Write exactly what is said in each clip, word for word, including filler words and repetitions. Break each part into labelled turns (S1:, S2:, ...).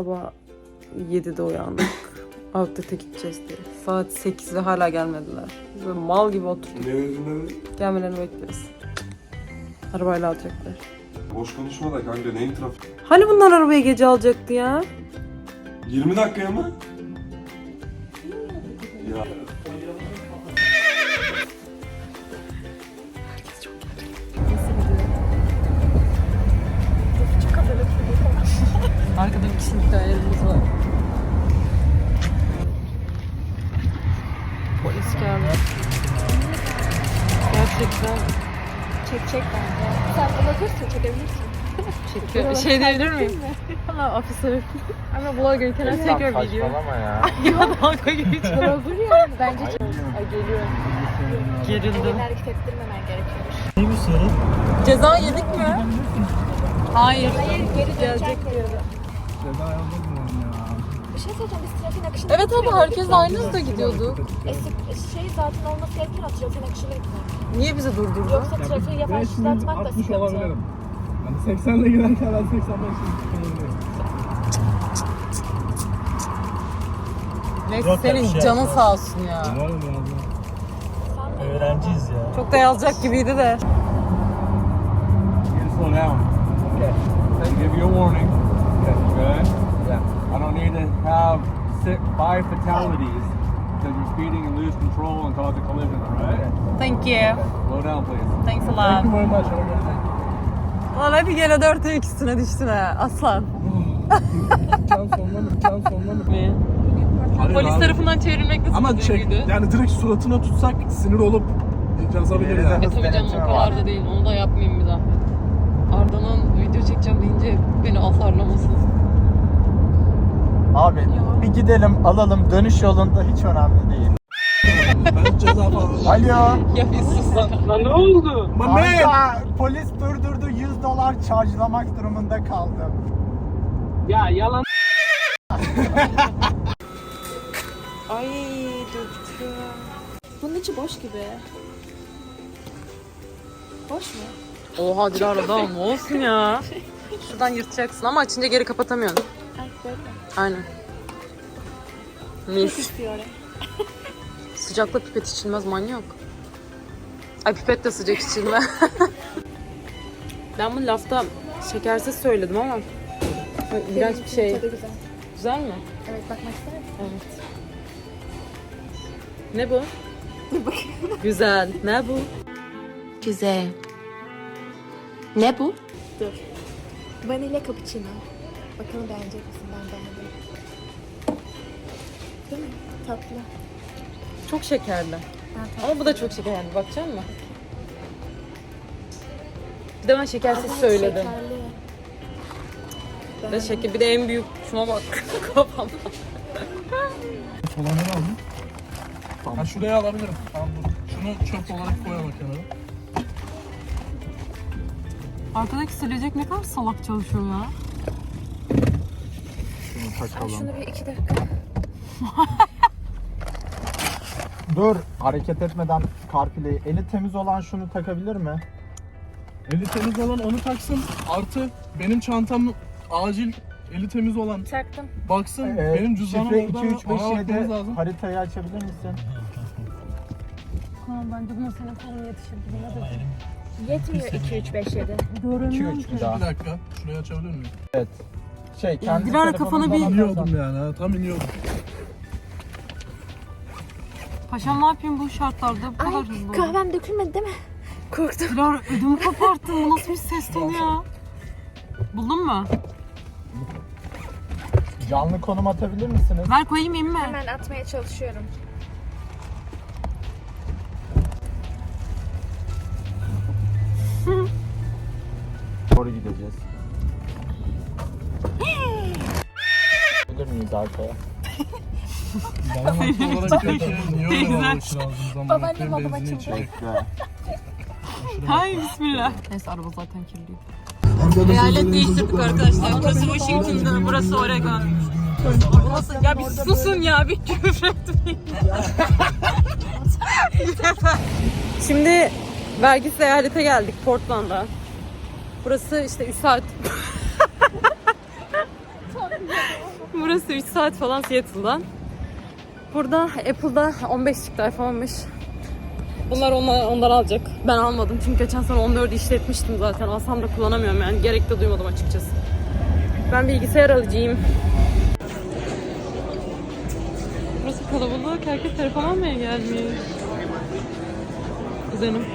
S1: sabah yedide uyandık. Outlet'e gideceğiz diye. Saat sekiz ve hala gelmediler. Böyle mal gibi oturduk.
S2: Ne yüzünden?
S1: Gelmelerini bekliyoruz. Arabayla alacaklar.
S2: Boş konuşma da kanka, neyin trafik?
S1: Hani bunlar arabayı gece alacaktı ya?
S2: yirmi dakikaya mı? Ya.
S1: Arkada bir kişilik dairemiz var. Polis geldi. Gerçekten
S3: Çekecek bence. Sen bulabilirsin, çekebilirsin.
S1: çekiyor. Şey diyebilir miyim? Valla ofisör. Ama blogger can I take your video?
S4: Saçmalama ya.
S1: Ya dalga geçiyor.
S3: Olur ya. Bence çok.
S1: Ay geliyor. Gerildim.
S3: Elini hareket ettirmemen gerekiyormuş.
S4: Ne bu sorun?
S1: Ceza yedik mi? Hayır.
S3: Hayır, geri dönecek diyordu.
S4: Ceza yazdım ya.
S3: Bir şey söyleyeceğim, biz trafiğin akışını
S1: Evet abi herkes aynı hızda gidiyordu.
S3: E, şey zaten olması gereken o trafiğin akışını gitmek.
S1: Niye bizi durdurdu?
S3: Yoksa trafiği yavaşlatmak da
S4: altmış
S3: sıkıntı.
S4: olabilirim. Yani seksenle giderken ben seksen beş olabilirim.
S1: Neyse
S4: Yok,
S1: senin
S4: şey
S1: canın
S4: yapmaz.
S1: sağ olsun ya.
S4: Var mı ya?
S3: Sen de
S4: Öğrenciyiz ya.
S1: Çok da yazacak gibiydi de.
S4: You slow down. Okay. They give you a warning. Okay. Good. Yeah. I don't need to have six, five fatalities because you're speeding and lose control and cause a collision, all right?
S1: Thank you.
S4: Okay. Slow down, please.
S1: Thanks a
S4: Thank you
S1: lot.
S4: very much. Have a good night.
S1: Lan hadi gene dörtte ikisine düştün ha aslan.
S4: Can sonlanır, can sonlanır.
S1: Mi?
S4: Hayır
S1: Polis
S4: abi.
S1: tarafından çevrilmek nasıl
S4: Ama
S1: bir
S4: çek,
S1: duyguydu?
S4: yani direkt suratına tutsak sinir olup yazabiliriz yani.
S1: E tabii canım o kadar da değil. Onu da yapmayayım bir zahmet. Arda'nın video çekeceğim deyince beni azarlamasın.
S5: Abi bir gidelim alalım, dönüş yolunda hiç önemli değil.
S4: Ben ceza falan.
S5: Alo.
S1: Ya bir sus lan. Lan ne oldu?
S4: My man!
S5: Kanka, polis durdurdu, yüz dolar charge'lamak durumunda kaldım.
S1: Ya yalan. Ay döktüm.
S3: Bunun içi boş gibi. Boş mu?
S1: Oha Dilara daha ne olsun ya. Şuradan yırtacaksın ama açınca geri kapatamıyorsun.
S3: Ay böyle.
S1: Aynen.
S3: Çok
S1: Mis.
S3: istiyor oraya.
S1: Sıcakla pipet içilmez manyak. Ay pipet de sıcak içilme. Ben bu lafta şekersiz söyledim ama ay, iğrenç bir şey.
S3: Tadı güzel.
S1: Güzel mi?
S3: Evet, bakmak ister misin?
S1: Evet. Ne bu? Güzel. Ne bu?
S6: Güzel. Ne bu?
S3: Dur. Vanilya cappuccino. Bakalım beğenecek misin? Ben beğendim. Değil mi? Tatlı.
S1: Çok şekerli.
S3: Ben tatlı.
S1: Ama bu da çok şekerli. Bakacak mısın? Bir de ben şekersiz
S3: Evet,
S1: söyledim.
S3: şekerli.
S1: Bir de şeker. Bir de en büyük şuna bak. Kafam.
S4: Olanları aldım. Ha şuraya alabilirim. Tamam dur. Şunu çöp olarak koyalım kenara.
S1: Arkadaki silecek ne kadar salak çalışıyor ya.
S5: Şunu
S3: Ay,
S5: takalım.
S3: şunu bir iki dakika.
S5: Dur, hareket etmeden karpileyi. Eli temiz olan şunu takabilir mi?
S4: Eli temiz olan onu taksın. Artı benim çantam acil eli temiz olan
S3: Taktım.
S4: baksın.
S5: Ee,
S4: benim cüzdanım
S5: şifre
S4: orada.
S5: iki üç beş
S4: Ona bakmamız
S5: yedi
S4: lazım.
S5: haritayı açabilir misin?
S1: Ha bence buna senin kolun yetişir gibi. Ne dedin?
S3: Yetmiyor iki üç beş yedi.
S5: iki üç bir daha.
S4: Bir dakika. Şurayı açabilir miyim?
S5: Evet. Şey, kendi
S1: Dilara,
S5: telefonundan
S1: kafana bir-
S5: atarsan-
S4: İniyordum yani. Ha, tam iniyordum.
S1: Paşam ne yapayım bu şartlarda? Bu kadar
S3: Ay,
S1: hızlı.
S3: kahvem dökülmedi değil mi? Korktum.
S1: Dilara ödümü koparttın. Bu nasıl bir ses tonu ya? Buldun mu?
S5: Canlı konum atabilir misiniz?
S1: Ver koyayım inme.
S3: Hemen atmaya çalışıyorum.
S5: Doğru gideceğiz. Bilir miyiz arkaya?
S4: Bana haklı olarak diyor ki niye öyle
S1: Teyze.
S4: davranışın ağzınızdan?
S3: Babaannem
S4: Bakayım
S3: babam
S4: benzin
S3: açıldı.
S4: içecek.
S5: Bekle.
S1: Hay bismillah. Neyse araba zaten kirliydi. Eyalet değiştirdik arkadaşlar. Burası Washington, burası Oregon. Burası... Ya bir susun ya, bir küfür etmeyin. Şimdi vergisiz eyalete geldik Portland'a. Burası işte üç saat. burası üç saat falan Seattle'dan. Burada Apple'da on beş çıktı iPhone'muş. Bunlar onlar, ondan alacak. Ben almadım çünkü geçen sene on dördü işletmiştim zaten. Alsam da kullanamıyorum yani. Gerek de duymadım açıkçası. Ben bilgisayar alacağım. Burası kalabalık. Herkes telefon almaya gelmiş. Kuzenim.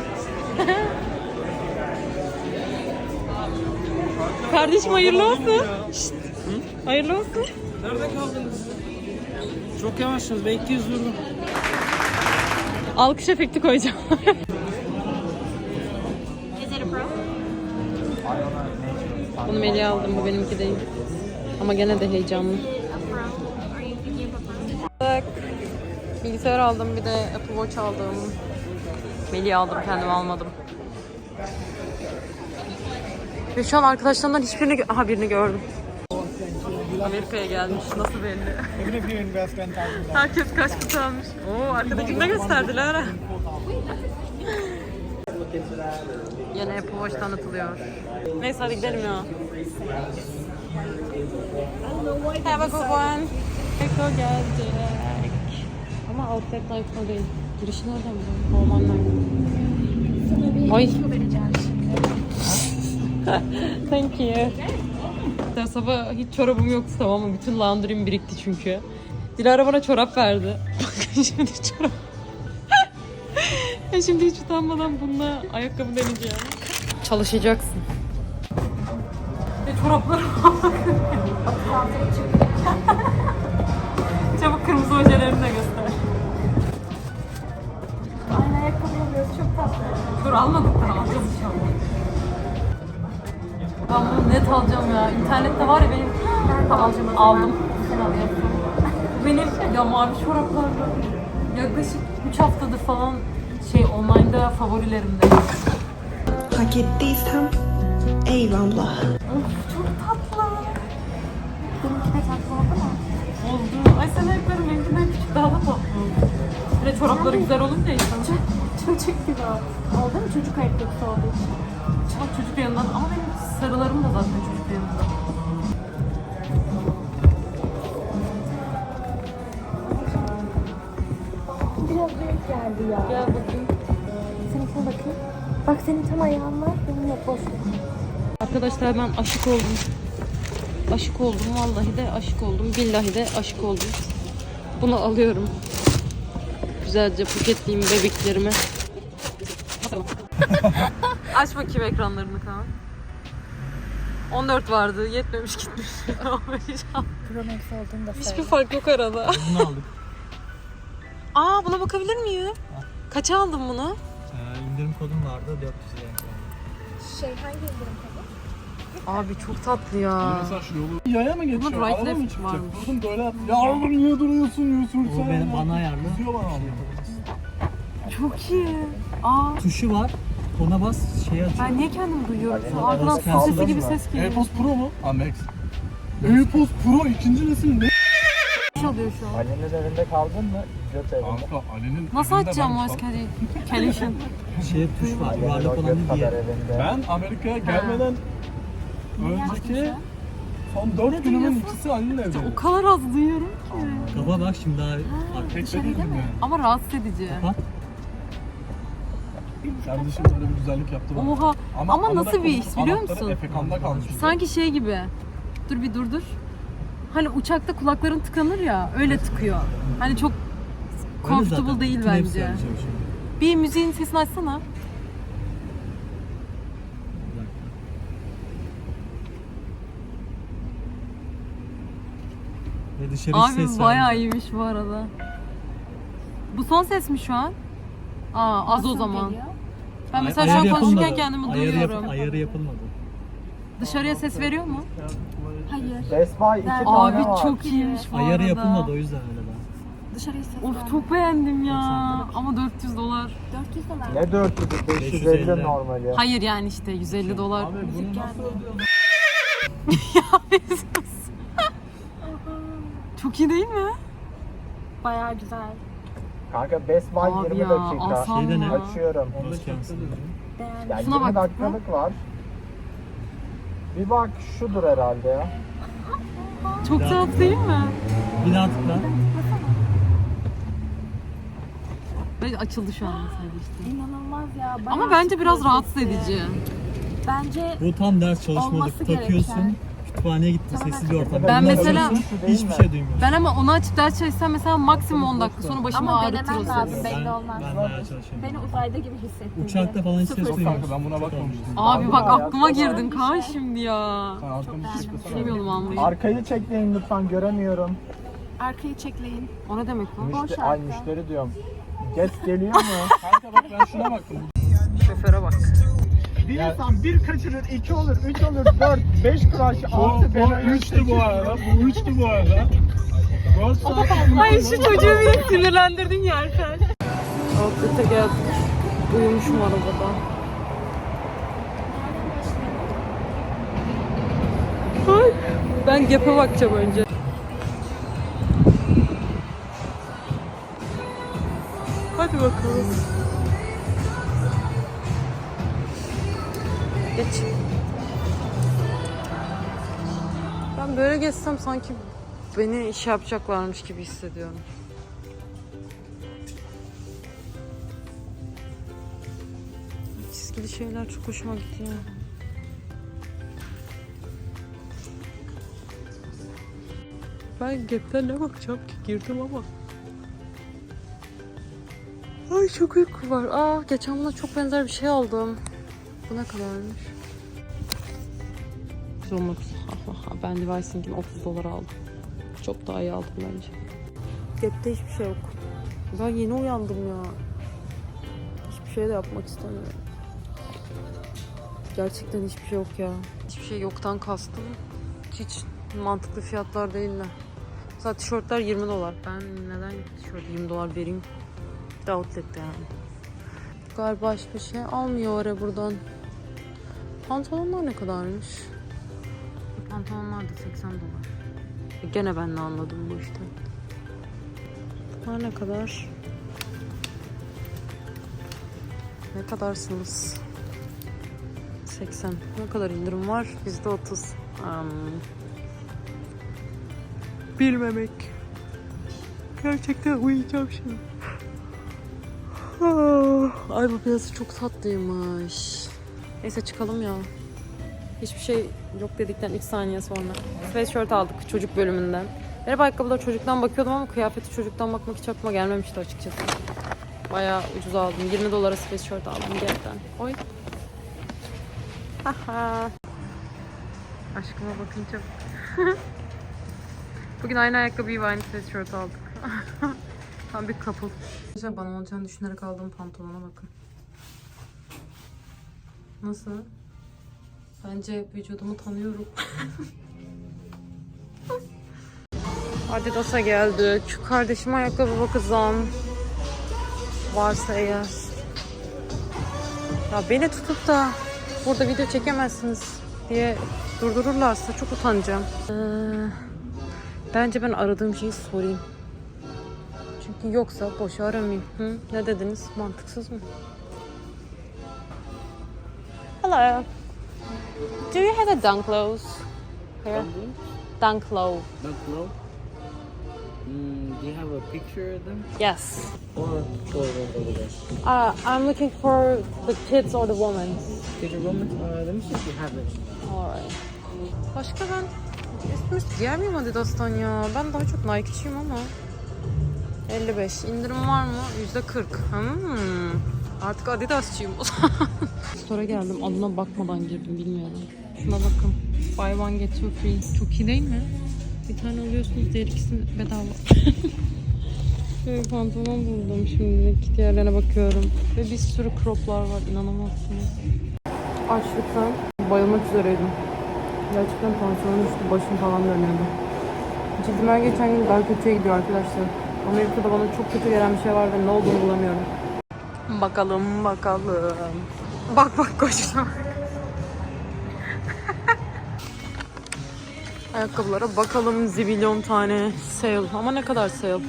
S1: Kardeşim hayırlı olsun. Şşt. Hayırlı olsun.
S7: Nerede kaldınız? Çok yavaşsınız. Ben iki yüz vurdum.
S1: Alkış efekti koyacağım. Bunu Melih'e aldım. Bu benimki değil. Ama gene de heyecanlı. Bilgisayar aldım. Bir de Apple Watch aldım. Melih'e aldım. Kendime almadım. Ve şu an arkadaşlarımdan hiçbirini... Aha birini gördüm. Amerika'ya gelmiş. Nasıl belli? Herkes kaç kutu almış. Oo, arkadakini de gösterdiler ha. Yine Apple Watch tanıtılıyor. Neyse hadi gidelim ya. Have a good one. Eko gelecek. Ama outlet life'da değil. Girişi nereden buldun? Normal nerede? Ay. Thank you. Ya sabah hiç çorabım yoktu tamam mı? Bütün laundry'm birikti çünkü. Dilara bana çorap verdi. Bakın şimdi çorap. Ya şimdi hiç utanmadan bununla ayakkabı deneyeceğim. Çalışacaksın. Ve çoraplara bak. Çabuk kırmızı ojelerini de göster.
S3: Aynı ayakkabı alıyoruz. Çok tatlı.
S1: Dur almadık da alacağız inşallah. Ben bunu net alacağım ya. İnternette var ya benim...
S3: Ben de alacağım.
S1: Aldım. Benim ya mavi çoraplar yaklaşık üç haftadır falan şey online'da favorilerimde.
S8: Hak ettiysem eyvallah.
S1: Of çok tatlı.
S3: Benimki de tatlı oldu mu?
S1: Oldu. Ay sen ayakların benimkinden küçük daha da tatlı oldu. Bir de çorapları güzel olunca insan.
S3: Çocuk gibi oldu. Oldu mu çocuk ayakkabısı olduğu için?
S1: Çok çocuk yanından ama benim sarılarım da zaten çocuk yanında.
S3: Biraz büyük geldi ya.
S1: Gel bakayım.
S3: Seninkine bakayım. Bak senin tam ayağın var. Benim yok boş.
S1: Arkadaşlar ben aşık oldum. Aşık oldum. Vallahi de aşık oldum. Billahi de aşık oldum. Bunu alıyorum. Güzelce paketleyeyim bebeklerimi. Aç bakayım ekranlarını Kaan. on dört vardı. Yetmemiş gitmiş.
S3: Pro Max olduğunu da
S1: Hiçbir fark yok arada.
S5: Bunu aldık.
S1: Aa buna bakabilir miyim? Kaça aldın bunu?
S5: Ee, indirim kodum vardı dört yüz liraya.
S3: Şey hangi indirim tabii?
S1: Abi çok tatlı ya.
S4: Mesela şu yolu yaya mı geçiyor?
S1: Bunda bright
S4: Araba mı
S1: left
S4: çıkacak?
S1: varmış.
S4: Durdum böyle yaptım. Ya oğlum niye duruyorsun Yusuf sen?
S5: O benim bana ayarlı.
S4: Kızıyor bana abi.
S1: Çok iyi. Aa
S5: Tuşu var. Ona bas şey açıyor.
S1: ben niye kendimi duyuyorum? Şu arkadan
S5: Orası
S1: su sesi
S5: kaldı
S1: gibi
S5: mı?
S1: ses geliyor.
S4: AirPods Pro mu? Ha Max. AirPods Pro ikinci nesil ne?
S1: Çalıyor şu an.
S5: Ali'nin evinde kaldın mı? Pilot evinde.
S4: Kanka Ali'nin
S1: Nasıl
S4: evinde
S1: açacağım
S4: ben-
S1: voice calculation?
S5: Şey tuş var. Yuvarlak olan diye.
S4: Ben Amerika'ya gelmeden önceki son dört günümün ikisi Ali'nin evde.
S1: O kadar az duyuyorum ki.
S5: Kafa bak şimdi daha
S4: Tek de değilim yani.
S1: Ama rahatsız edici.
S5: Kapat.
S4: Kardeşim böyle bir güzellik yaptı bana.
S1: Oha. Ama,
S4: ama
S1: nasıl
S4: da
S1: bir his biliyor
S4: anahtarı
S1: musun?
S4: Efekan'da kalmış.
S1: Sanki şey gibi. Dur bir dur dur. Hani uçakta kulakların tıkanır ya. Öyle tıkıyor. Hani çok comfortable değil bence. Bir müziğin sesini açsana.
S5: Ve dışarı
S1: Abi bayağı iyiymiş bu arada. Bu son ses mi şu an? Aa az o zaman. Ben mesela şu an konuşurken kendimi
S5: ayarı
S1: duyuyorum.
S5: Yap, ayarı yapılmadı.
S1: Dışarıya ses veriyor mu?
S3: Hayır.
S5: Best Buy iki tane
S1: Abi
S5: var.
S1: çok iyiymiş bu
S5: Ayarı
S1: arada.
S5: yapılmadı o yüzden öyle ben.
S3: Dışarıya ses
S1: Of
S3: ver.
S1: çok beğendim ya. Ama dört yüz dolar.
S3: dört yüz dolar.
S5: Ne dört yüz? beş yüz elli normal ya.
S1: Hayır yani işte yüz elli dolar.
S4: Abi bunu nasıl ödüyorsun?
S1: Çok iyi değil mi?
S3: Bayağı güzel.
S5: Kanka Best Buy
S1: Abi
S5: yirmi
S1: ya,
S5: dakika.
S1: alsam
S5: Şeyde
S1: mı?
S5: ne? Açıyorum.
S3: Beğendim.
S5: Yani
S1: Şuna
S5: yirmi
S1: bak.
S5: dakikalık var. Bir bak şudur herhalde ya.
S1: Çok tatlı değil mi?
S7: Bir daha tıkla.
S1: Ve açıldı şu an mesela işte.
S3: İnanılmaz ya. bayağı
S1: Ama bence biraz
S3: psikolojisi.
S1: rahatsız edici.
S3: Bence
S7: Bu tam ders çalışmalık.
S3: Olması
S7: Takıyorsun.
S3: gereken.
S7: Kütüphaneye gittin. Sessiz bir ortam.
S1: Ben mesela-
S7: hiçbir şey duymuyorsun.
S1: Ben ama onu açıp ders çalışsam mesela maksimum on dakika sonra başımı
S3: ama
S1: ağrıtır o
S3: denemen
S1: ses.
S3: lazım,
S7: Ben,
S3: belli olmaz.
S7: ben bayağı çalışıyorum.
S3: Beni uzayda gibi hissettirdi.
S7: Uçakta falan hiç ses
S3: Sıfır.
S7: duymuyorsun.
S4: Kanka ben buna bakmamıştım.
S1: Abi bak aklıma girdin Kaan şimdi ya.
S4: Sen arkamı çekmesene.
S1: Bilmiyordum almayı.
S5: Arkayı çekleyin lütfen, göremiyorum.
S3: Arkayı çekleyin.
S1: O ne demek o?
S3: Boş
S5: Müşteri, ay
S3: arka.
S5: müşteri diyorum. Geç geliyor mu?
S4: Kanka bak ben şuna baktım.
S1: Şoföre bak.
S5: Bir insan bir kaçırır, iki olur, üç olur, dört, beş kuraş,
S4: Bu,
S5: altı,
S4: bu üçtü bu arada. Bu üçtü bu arada.
S1: Ay şu çocuğu bir sinirlendirdin ya Alper. Outlet'e geldik. Uyumuşum arabada. Ay, ben Gap'e bakacağım önce. Hadi bakalım. Geç. Ben böyle geçsem sanki beni iş yapacaklarmış gibi hissediyorum. Çizgili şeyler çok hoşuma gidiyor. Ben Gap'ten ne bakacağım ki? Girdim ama. Ay çok uyku var. Aa geçen buna çok benzer bir şey aldım. Bu ne kadarmış? Zomux. Ben Levi'sinkini otuz dolara aldım. Çok daha iyi aldım bence. Gap'te hiçbir şey yok. Ben yeni uyandım ya. Hiçbir şey de yapmak istemiyorum. Gerçekten hiçbir şey yok ya. Hiçbir şey yoktan kastım. Hiç mantıklı fiyatlar değiller. Mesela tişörtler yirmi dolar. Ben neden tişört yirmi dolar vereyim? Bir de outlet'te yani. Galiba hiçbir şey almıyor oraya buradan. Pantolonlar ne kadarmış? Pantolonlar da seksen dolar. E gene ben ne anladım bu işte. Bunlar ne kadar? Ne kadarsınız? seksen. Ne kadar indirim var? yüzde otuz. Um, bilmemek. Gerçekten uyuyacağım şimdi. Ay bu piyasa çok tatlıymış. Neyse çıkalım ya. Hiçbir şey yok dedikten iki saniye sonra. Sweatshirt aldık çocuk bölümünden. Merhaba ayakkabılar çocuktan bakıyordum ama kıyafeti çocuktan bakmak hiç aklıma gelmemişti açıkçası. Bayağı ucuz aldım. yirmi dolara sweatshirt aldım gerçekten. Oy. Haha. Aşkıma bakınca. Bugün aynı ayakkabıyı ve aynı sweatshirt aldık. Tam bir couple. Arkadaşlar bana olacağını düşünerek aldığım pantolona bakın. Nasıl? Bence vücudumu tanıyorum. Adidas'a geldik. Şu kardeşime ayakkabı bakacağım. Varsa eğer. Ya beni tutup da burada video çekemezsiniz diye durdururlarsa çok utanacağım. Ee, bence ben aradığım şeyi sorayım. Çünkü yoksa boşu aramayayım. Hı? Ne dediniz? Mantıksız mı? Hello. Do you have a dunk clothes here? Dunk low.
S9: Dunk low? Mm, do you have a picture of them?
S1: Yes.
S9: Or or over there?
S1: Uh, I'm looking for the kids or the women.
S9: Did you woman? Uh, let me see if you have it.
S1: Alright. Başka ben üst üst giyer miyim Adidas'tan ya? Ben daha çok Nike'çiyim ama. elli beş. İndirim var mı? yüzde kırk. Hmm. Artık Adidas'çıyım o zaman. Store'a geldim. Adına bakmadan girdim. Bilmiyorum. Şuna bakın. Buy one get two free. Çok iyi değil mi? Bir tane alıyorsunuz. Diğer ikisini bedava. Şöyle pantolon buldum şimdi. Diğerlerine bakıyorum. Ve bir sürü croplar var. İnanamazsınız. Açlıktan bayılmak üzereydim. Gerçekten tansiyonum düştü. Başım falan dönüyordu. Cildim her geçen gün daha kötüye gidiyor arkadaşlar. Amerika'da bana çok kötü gelen bir şey var ve ne olduğunu bulamıyorum. Bakalım bakalım. Bak bak koşuna. Ayakkabılara bakalım, zibilyon tane sale. Ama ne kadar sale?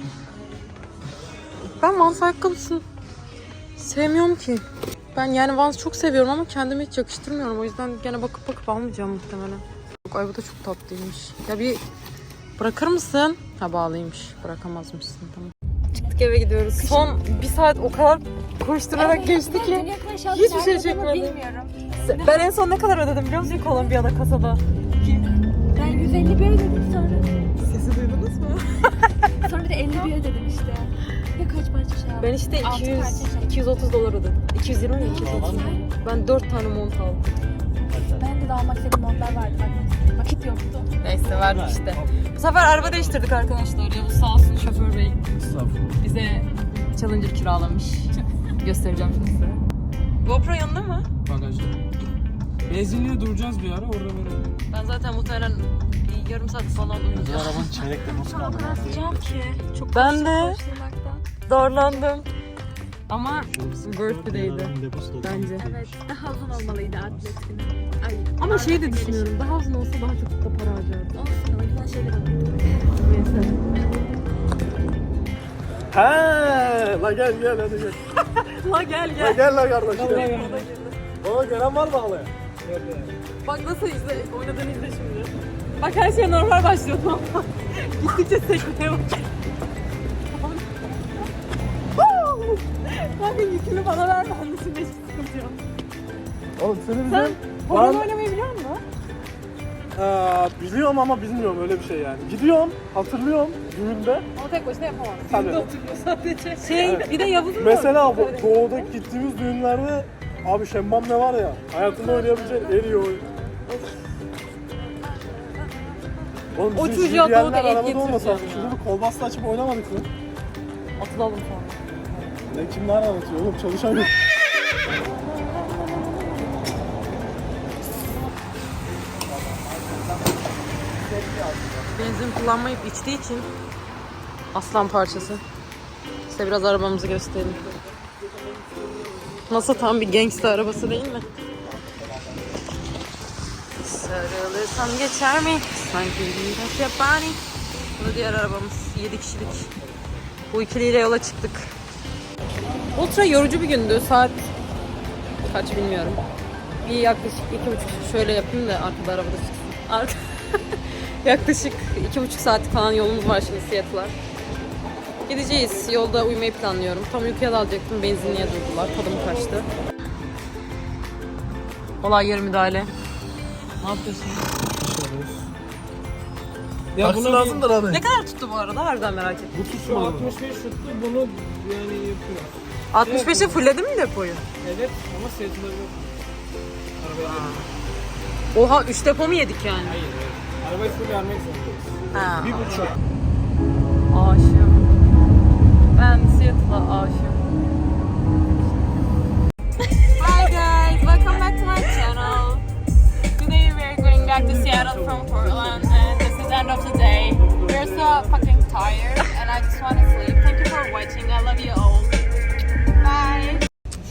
S1: Ben Vans ayakkabısını sevmiyorum ki. Ben yani Vans çok seviyorum ama kendime hiç yakıştırmıyorum. O yüzden gene bakıp bakıp almayacağım muhtemelen. Ay bu da çok tatlıymış. Ya bir bırakır mısın? Ha bağlıymış. Bırakamazmışsın tamam. Çıktık eve gidiyoruz. Son bir saat o kadar koşturarak geçti ki hiçbir şey çekmedim. Ben en son ne kadar ödedim biliyor musun Kolombiya'da kasada?
S3: Ben yüz elli bir ödedim sonra.
S1: Sesi duydunuz mu?
S3: Sonra bir de elli bir ödedim işte. Ya kaç parça şey yaptım?
S1: Ben işte
S3: Altı
S1: iki yüz,
S3: parça şey.
S1: iki yüz otuz dolar ödedim. iki yüz yirmi mi? iki yüz otuz. Ben dört tane mont aldım.
S3: Ben de daha almak istediğim montlar vardı. Bak, vakit yoktu.
S1: Neyse verdik işte. Bu sefer araba değiştirdik arkadaşlar. Yavuz sağ olsun şoför bey. Bize Challenger kiralamış. Göstereceğim şimdi size. GoPro yanında mı?
S7: Bagajda. Benzinliğe duracağız bir ara orada verelim.
S1: Ben zaten muhtemelen bir yarım saat falan uyuyacağım.
S5: Arabanın çeyrek deposu kaldı.
S3: Anlatacağım ki. Çok
S1: Ben de
S3: koşturmaktan.
S1: darlandım. Ama worth the day'di bence.
S3: Evet. Daha uzun olmalıydı atlet günü. Ay,
S1: Ama şey de düşünüyorum. Daha uzun olsa daha çok da para harcardım.
S3: olsun. O yüzden şeyler alıyorum.
S1: Neyse.
S5: He, la gel gel hadi gel.
S1: La gel
S5: La
S1: gel.
S5: gel la kardeş gel. Bana gelen var mı ağlaya?
S1: Bak nasıl izle, oynadığını izle şimdi. Bak her şey normal başlıyor tamam mı? Gittikçe sekmeye bak. Kanka yükünü bana ver, ben de şimdi hiç sıkıntı yok.
S5: Oğlum seni bize...
S1: Sen horon oynamayı biliyor musun?
S5: Ee, biliyorum ama bilmiyorum öyle bir şey yani. Gidiyorum, hatırlıyorum düğünde.
S1: Ama tek başına yapamazsın.
S5: Tabii.
S1: Düğünde oturuyor sadece. Şey, bir de Yavuz'un da
S5: Mesela bu
S1: öyle.
S5: doğuda gittiğimiz düğünlerde abi şemmam ne var ya, hayatımda oynayabileceğin en iyi oyun. Oğlum
S1: O
S5: bizim
S1: çocuğa
S5: J B L'ler
S1: doğuda et
S5: arabada
S1: getireceğim
S5: olmasa
S1: ya.
S5: şurada bir kolbasta açıp oynamadık mı?
S1: Atılalım sonra.
S5: Ne kimler anlatıyor oğlum, çalışamıyor.
S1: Benzin kullanmayıp içtiği için aslan parçası. Size biraz arabamızı göstereyim. Nasıl tam bir gangsta arabası değil mi? Sarılırsam geçer mi? Sanki bir yapani. Bu da diğer arabamız. yedi kişilik. Bu ikiliyle yola çıktık. Ultra yorucu bir gündü. Saat kaç bilmiyorum. Bir yaklaşık iki buçuk şöyle yapayım da arkada arabada çıksın. Arka... yaklaşık iki buçuk saatlik falan yolumuz var şimdi Seattle'a. Gideceğiz. Yolda uyumayı planlıyorum. Tam uykuya dalacaktım. Benzinliğe durdular. Tadım kaçtı. Olay yeri müdahale. Ne yapıyorsun?
S7: Ya
S5: Taksi lazımdır abi.
S1: Ne kadar tuttu bu arada? Harbiden merak ettim.
S5: Bu tutsun abi.
S7: altmış beş tuttu bunu yani yapıyor.
S1: altmış beşe fulledin mi depoyu?
S7: Evet ama seyirciler yok. Arabaya
S1: Oha üç depo mu yedik yani?
S7: hayır hayır. Arabayı full vermek zorundayız.
S1: Ha.
S7: Bir buçuk.
S1: Aşığım. Ben Seattle'a aşığım. Hi guys, welcome back to my channel. Today we are going back to Seattle from Portland and this is end of the day. We're so fucking tired and I just want to sleep. Thank you for watching. I love you all. Bye.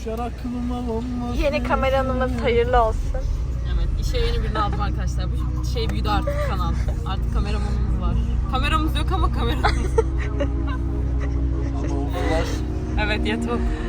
S3: Yeni kameranımız hayırlı olsun.
S1: Evet, işe yeni birini aldım arkadaşlar. Bu şey büyüdü artık kanal. Artık kameramanımız var. Kameramız yok ama kameramız. Evet, yeter.